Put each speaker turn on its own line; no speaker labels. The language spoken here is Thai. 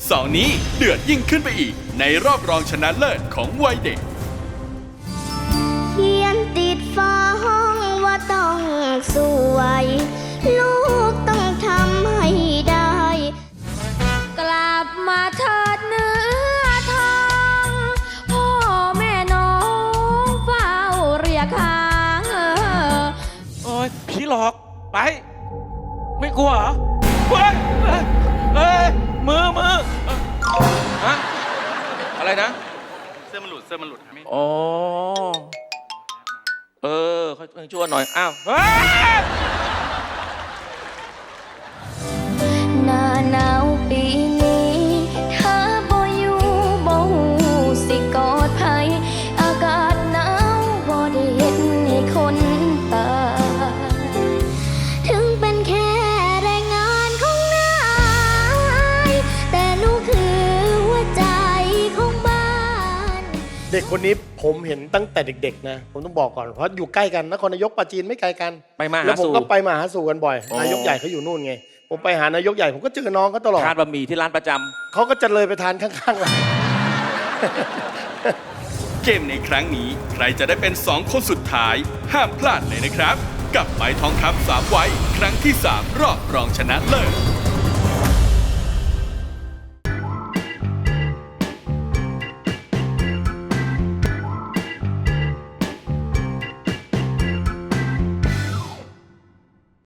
เสาร์นี้เดือดยิ่งขึ้นไปอีกในรอบรองชนะเลิศของวัยเด็ก
เขียนติดฟ้าห้องว่าต้องสวยลูกต้องทำให้ได้กลับมาเถิดเนื้อทองพ่อแม่น้องเฝ้าเรียกหา
โอ้ยผีหลอกไปไม่กลัวเหรอเฮ้ยมือฮะอะไรนะ
เสื้อมันหลุดครับ
อ๋อเขาช่วยหน่อยอ้าว
หน้าหนาวปีนี้เธอบ่อยู่บ่หูสิกอดไผอากาศหนาวบ่ได้เฮ็ดให้คนตายถึงเป็นแค่แรงงานของนายแต่หนูคือหัวใจของบ้าน
เด็กคนนี้ผมเห็นตั้งแต่เด็กๆนะผมต้องบอกก่อนเพราะอยู่ใกล้กันนครนายกปราจีนไม่ไกลกัน
ไปมา
แล้วผม
หาสู่
ก็ไปมาหาสู่กันบ่อยนายกใหญ่เขาอยู่นู่นไงผมไปหานายกใหญ่ผมก็เจอน้องเขาตลอด
ทานบะหมี่ที่ร้านประจำ
เขาก็จะเลยไปทานข้างๆเรา
เกมในครั้งนี้ใครจะได้เป็น2คนสุดท้ายห้ามพลาดเลยนะครับกับไม้ทองคำ3 วัยครั้งที่3รอบรองชนะเลิศ